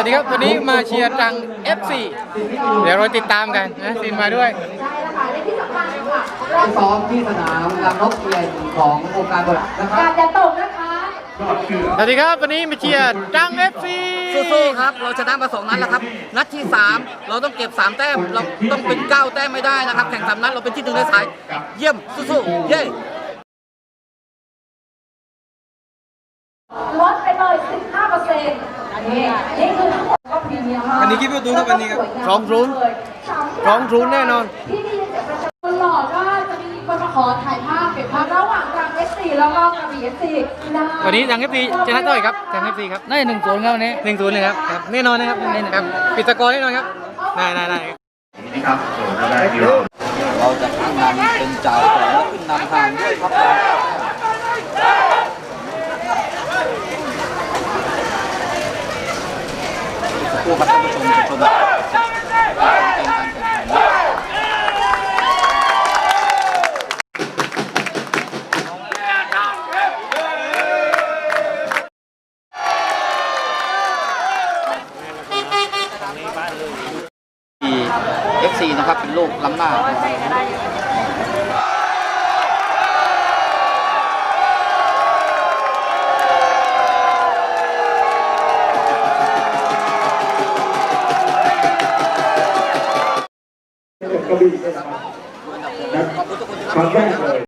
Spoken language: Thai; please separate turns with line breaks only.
วัสดีครับวันนี้มาเชียร์ตรัง FC เดี๋ยวเราติดตามกันนะซินมาด้วย
ซ้อมที่สนามลำนกเอียนขององค์การบริหารนะครับ
การจะตกนะคะ
สวัสดีครับวันนี้มาเชียร์ตรัง FC
สู้ๆครับเราชนะมา2 นัดแล้วครับนัดที่ 3เราต้องเก็บ3 แต้มเราต้องเป็น9 แต้มไม่ได้นะครับแข่ง3 นัดเราเป็นที่1ในสายเยี่ยมสู้ๆเย้
ลดไปเลย15%อันนี้คือทั้งหมดก็พรีเมียมมาก
วันนี้คิดว่าดูครับวันนี้ครับ2-0แน่นอน
ที่นี่ตลอดว่าจะมีคนมาขอถ่ายภาพเก็บภาพระหว่างกลาง FC แล้วก็กระบี่ FC
วันนี้ตรัง FC ชนะเท่าไหร่ครับตรัง FC ครับ
ได้1-0ครับวันนี้
1-0เลยครับแน่นอนนะครับครับปิดสกอร์แน่นอนครับได้
นี่ครับโดได้ดี
เราจะขึ้นนำเป็นจ่าสองแล้วขึ้นนำทางด้วยครับผู้ประท่านผู้ชมชมFC นะครับเป็นลูกล้ำหน้า
กระบี่นะครับครั้งแรกเลย